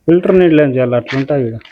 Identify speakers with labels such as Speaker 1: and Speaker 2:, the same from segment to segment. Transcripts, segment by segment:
Speaker 1: Filter నీళ్ళు ఏం చేయాలి, అట్లుంటాయి ఇక్కడ.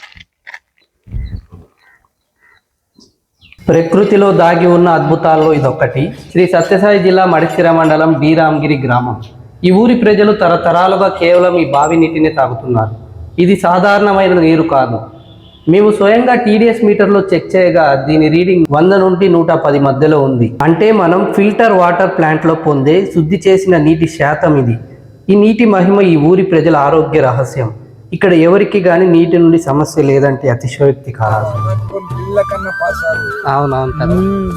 Speaker 2: ప్రకృతిలో దాగి ఉన్న అద్భుతాల్లో ఇదొక్కటి. శ్రీ సత్యసాయి జిల్లా మడిసిర మండలం డి రామగిరి గ్రామం. ఈ ఊరి ప్రజలు తరతరాలుగా కేవలం ఈ బావి నీటిని తాగుతున్నారు. ఇది సాధారణమైన నీరు కాదు. మేము స్వయంగా టీడీఎస్ మీటర్లో చెక్ చేయగా దీని రీడింగ్ 100 నుండి 110 మధ్యలో ఉంది. అంటే మనం ఫిల్టర్ వాటర్ ప్లాంట్లో పొందే శుద్ధి చేసిన నీటి శాతం ఇది. ఈ నీటి మహిమ ఈ ఊరి ప్రజల ఆరోగ్య రహస్యం. ఇక్కడ ఎవరికి గాని నీటి నుండి సమస్య లేదంటే అతిశయోక్తి కాదు. అవునవును కదా.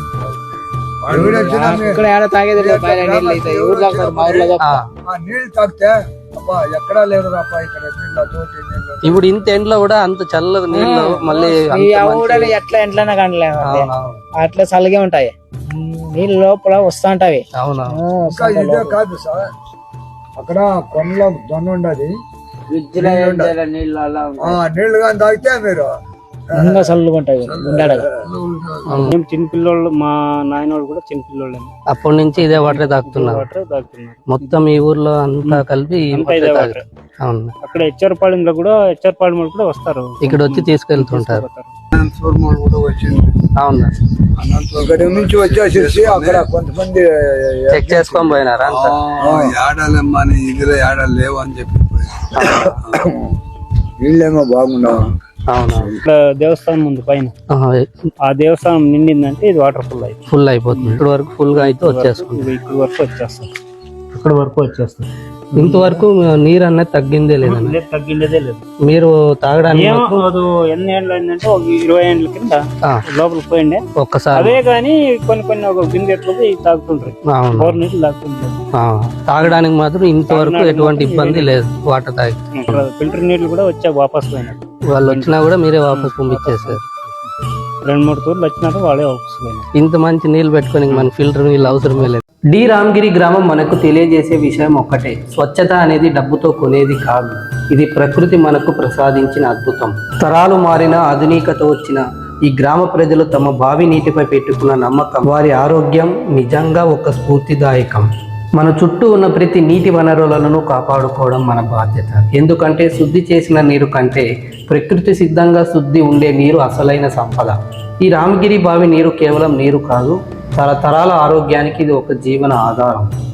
Speaker 2: ఇప్పుడు ఇంత ఎండ్లో కూడా అంత చల్లగా నీళ్ళు మళ్ళీ
Speaker 3: ఎట్లా ఎంట్లనే కండలేము, అట్లా చల్లగే ఉంటాయి నీళ్ళు లోపల వస్తుంటాయి.
Speaker 2: అవునా
Speaker 4: కాదు సార్, అక్కడ కొండలో దొన్న ఉండదు, నీళ్లు కానీ తాగితే మీరు
Speaker 3: ఇంకా చల్లగా ఉంటాయి.
Speaker 1: మేము చిన్నపిల్లోళ్ళు, మా నాయనోళ్ళు కూడా చిన్నపిల్లోళ్ళే.
Speaker 2: అప్పటి నుంచి ఇదే వాటర్ తాగుతున్నారు. మొత్తం ఈ ఊర్లో అంతా కలిపి అవును.
Speaker 1: అక్కడ హెచ్చరపాళెంలో కూడా కూడా వస్తారు, ఇక్కడ
Speaker 2: వచ్చి తీసుకెళ్తుంటారు. అవును,
Speaker 4: ఇక్కడ నుంచి వచ్చేసి అక్కడ కొంతమంది
Speaker 2: చెక్ చేసుకొని పోయినారా?
Speaker 4: ఏడాలమ్మా ఇదిలో ఏడాలు లేవు అని చెప్పి నీళ్ళేమో బాగుండవు.
Speaker 1: ఇక్కడ దేవస్థానం ఉంది పైన, ఆ దేవస్థానం నిండిందంటే ఇది వాటర్ ఫుల్
Speaker 2: అయిపోతుంది. ఇక్కడ వరకు ఫుల్ గా అయితే వచ్చేస్తుంది.
Speaker 1: ఇక్కడ వరకు వచ్చేస్తుంది.
Speaker 2: ఇంతవరకు నీరు అనేది తగ్గిందే లేదండి?
Speaker 1: తగ్గిందే లేదు.
Speaker 2: మీరు తాగడానికి
Speaker 1: ఎన్ని ఏళ్ళు అయిందంటే ఒక 20 ఏళ్ళ కింద లోపలికి పోయిండే
Speaker 2: ఒక్కసారి.
Speaker 1: అదే గానీ కొన్ని ఒక బిందెట్లు తాగుతుంటారు, నీళ్ళు తాగుతుంటారు.
Speaker 2: తాగడానికి మాత్రం ఇంతవరకు ఎటువంటి ఇబ్బంది లేదు. వాటర్ తాగి
Speaker 1: ఫిల్టర్ నీళ్లు కూడా వచ్చా వాపస్ పోయినట్టు.
Speaker 2: వాళ్ళు వచ్చినా కూడా మీరే వాపస్ పంపించేసారు.
Speaker 1: 2-3 తూర్లు వచ్చినారు, వాళ్ళే వాపస్ పోయినారు.
Speaker 2: ఇంత మంచి నీళ్ళు పెట్టుకొని మన ఫిల్టర్ నీళ్ళు అవసరమే లేదు. డి రామగిరి గ్రామం మనకు తెలియజేసే విషయం ఒక్కటే, స్వచ్ఛత అనేది డబ్బుతో కొనేది కాదు. ఇది ప్రకృతి మనకు ప్రసాదించిన అద్భుతం. తరాలు మారిన ఆధునికత వచ్చిన ఈ గ్రామ ప్రజలు తమ బావి నీటిపై పెట్టుకున్న నమ్మకం, వారి ఆరోగ్యం నిజంగా ఒక స్ఫూర్తిదాయకం. మన చుట్టూ ఉన్న ప్రతి నీటి వనరులను కాపాడుకోవడం మన బాధ్యత. ఎందుకంటే శుద్ధి చేసిన నీరు కంటే ప్రకృతి సిద్ధంగా శుద్ధి ఉండే నీరు అసలైన సంపద. ఈ రామగిరి బావి నీరు కేవలం నీరు కాదు, తరతరాల ఆరోగ్యానికి ఇది ఒక జీవన ఆధారం.